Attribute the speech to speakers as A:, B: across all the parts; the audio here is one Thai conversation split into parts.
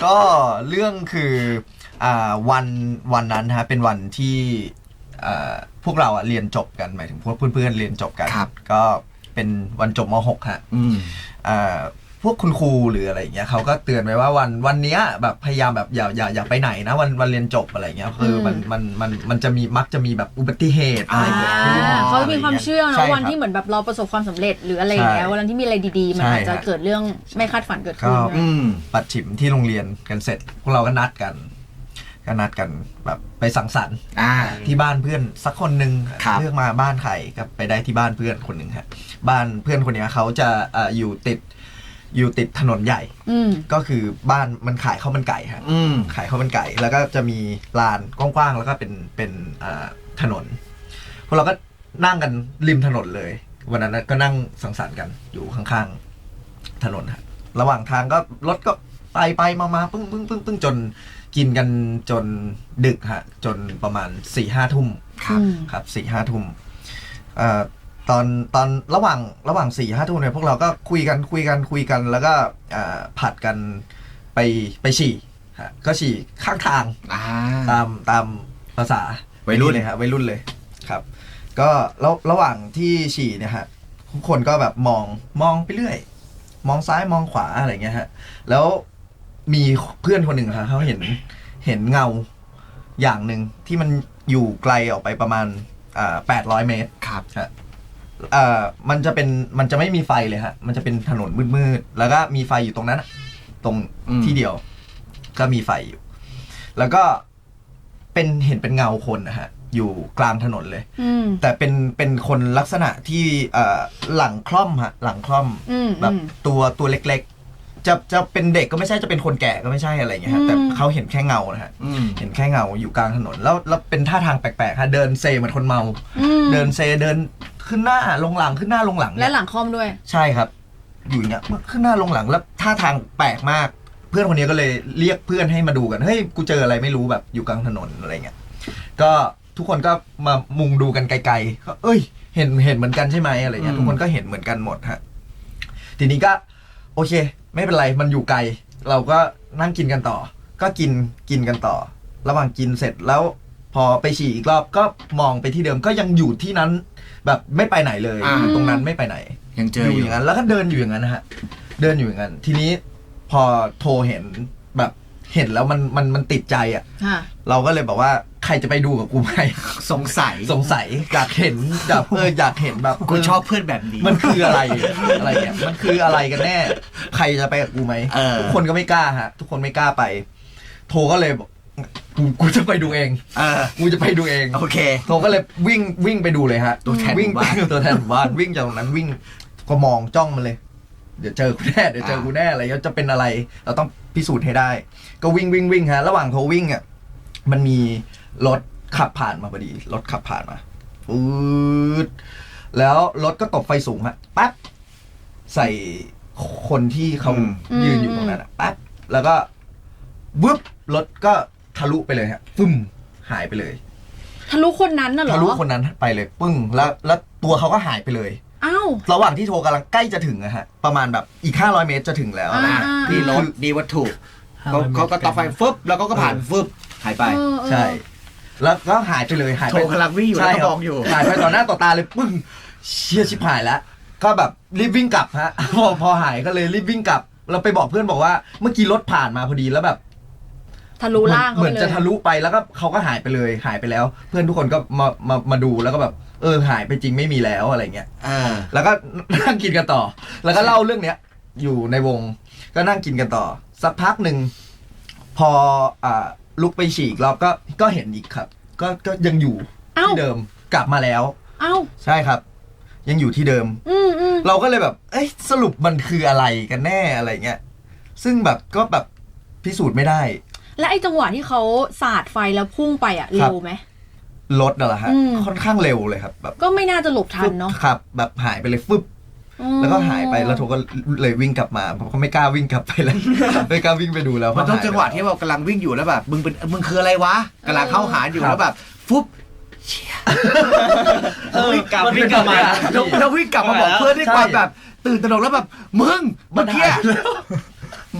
A: ก็เรื่องคือวันนั้นฮะเป็นวันที่พวกเราเรียนจบกันหมายถึงพวกเพื่อนๆเรียนจบกันก็เป็นวันจบม.6 ฮะพวกคุณครูหรืออะไรอย่างเงี้ยเขาก็เตือนไว้ว่าวันนี้แบบพยายามแบบอย่าไปไหนนะวันเรียนจบอะไรเงี้ยคือมันจะมีมักจะมีแบบอุบัติเหตุอะไรเกิดขึ้น
B: เขามีความเชื่อนะวันที่เหมือนแบบเราประสบความสำเร็จหรืออะไรอย่างเงี้ยวันที่มีอะไรดีๆมันอาจจะเกิดเรื่องไม่คาดฝันเกิดขึ้น
A: ปัดฉิมที่โรงเรียนกันเสร็จพวกเราก็นัดกันแบบไปสังสรรค์ที่บ้านเพื่อนสักคนหนึ่งเลือกมาบ้านใครก็ไปได้ที่บ้านเพื่อนคนหนึ่งฮะบ้านเพื่อนคนนี้เขาจะอยู่ติดถนนใหญ่ก็คือบ้านมันขายข้าวมันไก่ฮะขายข้าวมันไก่แล้วก็จะมีลานกว้างๆแล้วก็เป็นถนนพวกเราก็นั่งกันริมถนนเลยวันนั้นก็นั่งสังสรรค์กันอยู่ข้างๆถนนฮะระหว่างทางก็รถก็ไปมาปึ้งจนกินกันจนดึกฮะจนประมาณ 4-5 ทุ่มครับ 4-5 ทุ่มตอนระหว่าง 4-5 ทุ่มเนี่ยพวกเราก็คุยกันแล้วก็ผัดกันไปฉี่ฮะก็ฉี่ข้างทางตามภาษาวัยรุ่นเลยฮะวัยรุ่นเลยครับก็ระหว่างที่ฉี่เนี่ยฮะทุกคนก็แบบมองไปเรื่อยมองซ้ายมองขวาอะไรเงี้ยฮะแล้วมีเพื่อนคนหนึ่งฮะเขาเห็นเงาอย่างหนึ่งที่มันอยู่ไกลออกไปประมาณ800 เมตรครับมันจะไม่มีไฟเลยฮะมันจะเป็นถนนมืดๆแล้วก็มีไฟอยู่ตรงนั้นตรงที่เดียวก็มีไฟอยู่แล้วก็เห็นเป็นเงาคนนะฮะอยู่กลางถนนเลยแต่เป็นคนลักษณะที่หลังคล่อมฮะหลังคล่อมแบบตัวเล็กๆจะเป็นเด็กก็ไม่ใช่จะเป็นคนแก่ก็ไม่ใช่อะไรอย่างเงี้ยฮะแต่เขาเห็นแค่เงานะฮะเห็นแค่เงาอยู่กลางถนนแล้วเป็นท่าทางแปลกๆฮะเดินเซเหมือนคนเมาเดินเซเดินขึ้นหน้าลงหลังขึ้นหน้าลงหลัง
B: และหลังคอมด้วย
A: ใช่ครับอยู่อย่างเงี้ยขึ้นหน้าลงหลังแล้วท่าทางแปลกมากเพื่อนคนนี้ก็เลยเรียกเพื่อนให้มาดูกันเฮ้ยกูเจออะไรไม่รู้แบบอยู่กลางถนนอะไรเงี้ยก็ทุกคนก็มามุงดูกันไกลๆก็เอ้ยเห็นเหมือนกันใช่ไหมอะไรเงี้ยทุกคนก็เห็นเหมือนกันหมดฮะทีนี้ก็โอเคไม่เป็นไรมันอยู่ไกลเราก็นั่งกินกันต่อก็กินกันต่อระหว่างกินเสร็จแล้วพอไปฉี่อีกรอบก็มองไปที่เดิมก็ยังอยู่ที่นั้นแบบไม่ไปไหนเลยตรงนั้นไม่ไปไหน
C: ยังเจออยู่
A: อย่างนั้นแล้วก็เดินอยู่อย่างนั้นนะฮะเดินอยู่อย่างนั้นทีนี้พอโทรเห็นแบบเห็นแล้วมันติดใจอ่ะเราก็เลยบอกว่าใครจะไปดูกับกูไหม
C: สงสัย
A: อยากเห็นแบบอยากเห็นแบบ
C: กูชอบเพื่อนแบบนี้
A: มันคืออะไรเนี่ยมันคืออะไรกันแน่ใครจะไปกับกูไหมทุกคนก็ไม่กล้าฮะทุกคนไม่กล้าไปโทรก็เลยบอกกูจะไปดูเองกูจะไปดูเอง
C: โอเค
A: โทรก็เลยวิ่งไปดูเลยฮะตัวแทนบ้านวิ่งจากตรงนั้นวิ่งก็มองจ้องมันเลยเดี๋ยวเจอกูแน่อะไรจะเป็นอะไรเราต้องพิสูจน์ให้ได้ก็วิ่งฮะระหว่างโทรวิ่งอ่ะมันมีรถขับผ่านมาพอดีรถขับผ่านมาปื๊ดแล้วรถก็ตบไฟสูงฮะปั๊บใส่คนที่เขายืนอยู่ตรงนั้นปั๊บแล้วก็วึบรถก็ทะลุไปเลยฮะฟึ่มหายไปเลย
B: ทะลุคนนั้นน่ะเหรอ
A: ทะลุคนนั้นไปเลยปึ้งแล้วตัวเขาก็หายไปเลย
B: อ้าว
A: ระหว่างที่โทรกำลังใกล้จะถึงอะฮะประมาณแบบอีก500 เมตรจะถึงแล้วนะ
C: ดีรถดีวัตถุเขาก็ต่อไฟฟึบแล้วก็ผ่านฟึบหายไป
A: ใช่แล้วก็หายไปเลยหายไป
C: โทรกำลังวิ่งอยู่แล้วก็มองอยู่
A: หายไปต่อหน้าต่อตาเลยปึ้งเชี่ยชิบหายแล้วก็แบบรีบวิ่งกลับฮะพอหายก็เลยรีบวิ่งกลับเราไปบอกเพื่อนบอกว่าเมื่อกี้รถผ่านมาพอดีแล้วแบบ
B: ทะลุล่าง
A: เหมือนจะทะลุไปแล้วก็เขาก็หายไปเลยหายไปแล้วเพื่อนทุกคนก็มาดูแล้วก็แบบหายไปจริงไม่มีแล้วอะไรเงี้ยแล้วก็นั่งกินกันต่อแล้วก็เล่าเรื่องเนี้ยอยู่ในวงก็นั่งกินกันต่อสักพักหนึ่งพอลุกไปฉี่อีกรอบก็เห็นอีกครับก็ยังอยู่ที่เดิมกลับมาแล้วใช่ครับยังอยู่ที่เดิมเราก็เลยแบบสรุปมันคืออะไรกันแน่อะไรเงี้ยซึ่งแบบก็แบบพิสูจน์ไม่ได้
B: และไอ้จังหวะที่เขาสาดไฟแล้วพุ่งไปอ่ะเร็วไหม
A: รถน่ะเหรอฮะค่อนข้างเร็วเลยครับแบบ
B: ก็ไม่น่าจะหลบทันเนาะ
A: ครับแบบหายไปเลยฟึบแล้วก็หายไปแล้วโทก็เลยวิ่งกลับมาผมก็ไม่กล้าวิ่งกลับไปแล้วไม่กล้าวิ่งไปดูแล้ว
C: มันต้องจังหวะที่เรากำลังวิ่งอยู่แล้วแบบมึงคืออะไรวะกำลังเข้าหาอยู่แล้วแบบฟุบเชี่ยวิ่งกลับมาแล้ววิ่งกลับมาบอกเพื่อนด้วยความแบบตื่นตระหนกแล้วแบบมึงเมื่อกี้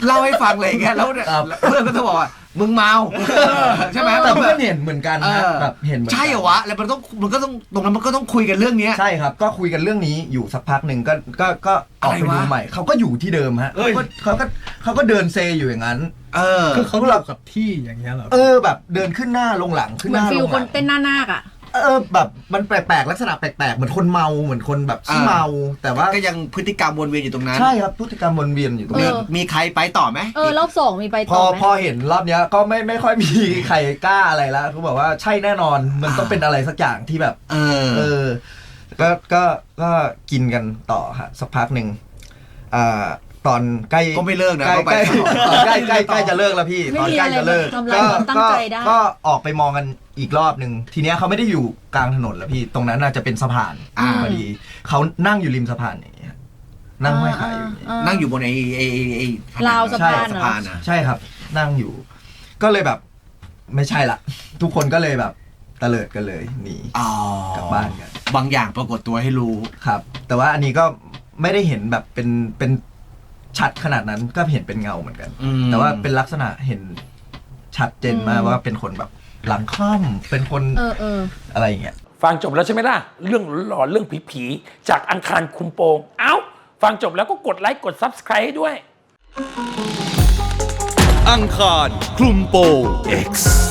C: เล่าให้ฟังเลยอย่างเงี้ยแล้วเนี่ยเพื่อนก็จะบอกว่ามึงเมาใช่ไหม
A: แต่เพื่อนเห็นเหมือนกันนะแบบเห็นเหมือนกัน
C: ใช่เหรอวะแล้วมันก็ต้องตรงนั้นมันก็ต้องคุยกันเรื่องนี้
A: ใช่ครับก็คุยกันเรื่องนี้อยู่สักพักหนึ่งก็ออกไปดูใหม่เขาก็อยู่ที่เดิมฮะเขาก็เดินเซอยู่อย่างนั้น
D: คือเขาหลับกับที่อย่างเงี้ยเหรอ
A: แบบเดินขึ้นหน้าลงหลังขึ้นหน้าลงหลัง
B: เหมือนฟิลคนเต้นหน้านาคอะ
A: แบบมันแปลกๆลักษณะแปลกๆเหมือนคนเมาเหมือนคนแบบขี้เมาแต่ว่า
C: ก็ยังพฤติกรรมวนเวียนอยู่ตรงนั้น
A: ใช่ครับพฤติกรรมวนเวียนอยู่ตรงนั้น
C: มีใครไปต่อไหม
B: รอบ2มีไปต่อไหม
A: พอเห็นรอบเนี้ยก็ไม่ค่อยมีใครกล้าอะไรแล้วเขาบอกว่าใช่แน่นอนมันต้องเป็นอะไรสักอย่างที่แบบก็กินกันต่อฮะสักพักหนึ่งตอนใกล้
C: ก็ไม่เลิกนะ
A: ใกล้จะเลิกแล้วพี่ตอนใกล้จะเลิกก็ออกไปมองกันอีกรอบหนึ่งทีเนี้ยเขาไม่ได้อยู่กลางถนนแล้วพี่ตรงนั้นน่าจะเป็นสะพานพอดีเขานั่งอยู่ริมสะพานอย่างเงี้ยนั่งห้อยขาอยู่
C: นั่งอยู่บนไอ้
B: ราวสะพาน
A: ใช่ครับนั่งอยู่ก็เลยแบบไม่ใช่ละทุกคนก็เลยแบบตะเลิดกันเลยหนีกลับบ้านกัน
C: บางอย่างปรากฏตัวให้รู้
A: ครับแต่ว่าอันนี้ก็ไม่ได้เห็นแบบเป็นชัดขนาดนั้นก็เห็นเป็นเงาเหมือนกันแต่ว่าเป็นลักษณะเห็นชัดเจนมากว่าเป็นคนแบบหลังค่อมเป็นคนอะไรอย่างเงี้ย
E: ฟังจบแล้วใช่ไหมล่ะเรื่องหลอนเรื่องผีๆจากอังคารคุมโปงเอ้าฟังจบแล้วก็กดไลค์กด Subscribe ให้ด้วย
F: อังคารคลุมโปง X